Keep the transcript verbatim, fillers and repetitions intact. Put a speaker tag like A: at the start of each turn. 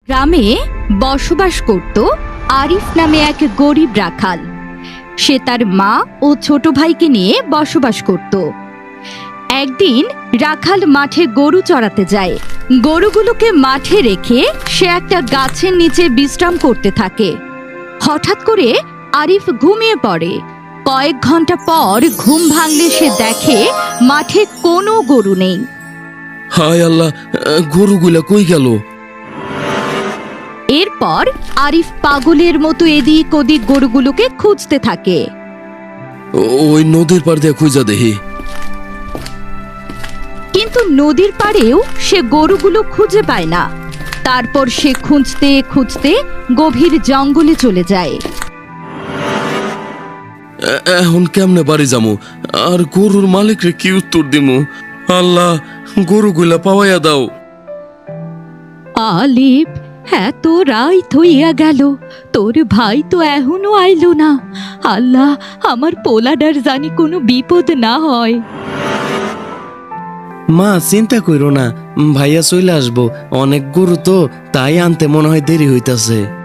A: গ্রামে বসবাস করত আরিফ নামে এক গরিব রাখাল। সে তার মা ও ছোট ভাইকে নিয়ে বসবাস করত। একদিন রাখাল মাঠে গরু চড়াতে যায়। গরুগুলোকে মাঠে রেখে সে একটা গাছের নিচে বিশ্রাম করতে থাকে। হঠাৎ করে আরিফ ঘুমিয়ে পড়ে। কয়েক ঘন্টা পর ঘুম ভাঙলে সে দেখে মাঠে কোনো গরু নেই।
B: হায় আল্লাহ, গরুগুলা কই গেল?
A: এরপর আরিফ পাগলের মতো এদিক ওদিক গরুগুলোকে খুঁজতে থাকে।
B: ওই নদীর পার দিয়ে খুঁজা দেহি।
A: কিন্তু নদীর পাড়েও সে গরুগুলো খুঁজে পায় না। তারপর সে খুঁজতে খুঁজতে গভীর জঙ্গলে চলে যায়।
B: এ- এখন কেমনে বাড়ি যামু? আর গরুর মালিকরে কি উত্তর দিমু? আল্লাহ, গরুগুলা পাওয়াইয়া দাও।
A: আলিফ, এত রাত হইয়া গেল, তোর ভাই তো এখনো আইলো না। আল্লাহ, আমার পোলাডার জানি কোনো বিপদ না হয়।
C: মা, চিন্তা কইরো না, ভাইয়া চলে আসবো। অনেক গরু তো, তাই আনতে মনে হয় দেরি হইতাছে।